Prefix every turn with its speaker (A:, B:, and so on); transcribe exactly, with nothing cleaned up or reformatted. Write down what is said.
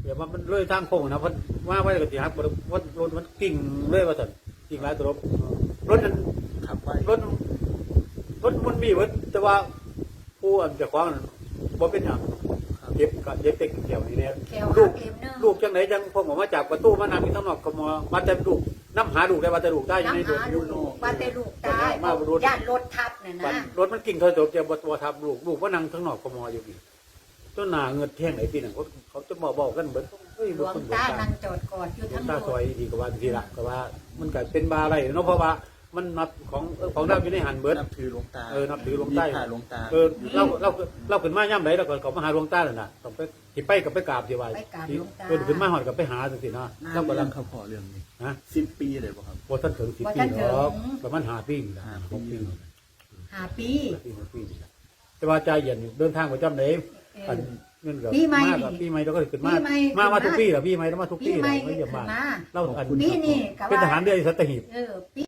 A: เดี๋ยวมันเลยทางโค้งนะเพราะว่าไว้ก็สิฮักรถรถมันกิ่งเลยว่าซั่นกิ่งหลายตัวรถรถนั้น
B: ขับไป
A: รถรถมันมีเบิดแต่ว่าผู้อันเจ้าของนั้นบ่เป็นหยังเจ็บก็เจ็บแต่เกี่ยวนี่แหละ
C: แก้ว
A: ลู
C: หั
A: ก
C: กเข็มนึง
A: ลูกจังไหนจังพวกผมมาจากประตูมานั่งอยู่ข้างนอกก็มามาแต่ลูกน้ำหาลูกได้ว่าแต่ลูกได้อยู่ใน
C: น้ำ
A: ตัว
C: หา
A: อ
C: ลู
A: ยู่
C: กว่าแต่ลูกตาย
A: มาบรถ
C: ย่านรถทับเนี่ย
A: บัด
C: นะ
A: รถมันกิ่งถอยตกเจ็บบ่บ่ทับลูกลูกว่านั่งข้างนอกก็มออยู่อีกจนหน้าเงินแท่งไหนปีนั้นเขาเขาจะมาบอกกันเบิดเฮ้ย
C: หล
A: บ่
C: วง
A: คนบ่
C: ตา
A: ตา
C: นั่งจอดกอดอยู่
A: หลว
C: ทั้
A: ง
C: ง
A: ตาร ซ
C: ถ
A: อยดีก็ว่าทีละก็ว่ามันก็เป็นบาอะไรเนาะเพราะว่ามันนับของเออของเราอยู่ในหันเบิด
B: นับถือหลวงตา
A: เออนับถือหลวงใต้
B: มีพระหลวงตา
A: เออเราเราเราขึ้นมาย่ำไหนเราก็เขามาหาหลวงตาเลยนะต้องไปที่ไปกับไปกราบที่ว่า
C: ไปกราบ
A: ที่
C: หลวงตา
A: เออขึ้นมาหอดกับไปหาสินะ
B: น่า
A: เรา
B: กำ
A: กำ
B: ลั
A: ลั
B: ง
A: ง
B: เขาขอเรื่องนี้
A: ฮะ
B: สิบปีเลยป่ะครับ
A: พอท่านถึงสิบ
C: บ่
A: ปี
C: ทันถึง
A: หรอกประมาณหาปีนี่ละ
B: ห้า
A: หก
B: ปี
A: ปี
C: หาปี
A: หาปีหกปีนี่ละแต่ว่าใจเย็นเดินทางประจำเลย
C: เออ
A: อันเงินกับ
C: ปีใหม่
A: มากกับปีใหม่เราก็ขึ้นมา
C: ปีใหม่
A: มามา
C: ขึ้นมา
A: ทุกปีเหรอปีใหม่เรามาทุกปี
C: ปีใหม่
A: เราไม่เยี่ยมบ้าน
C: ขึ้นมา
A: เราอัน
C: ปีนี้ก็
A: เป็นท
C: ว่า
A: หารเรือสัตหีบ
C: เออปี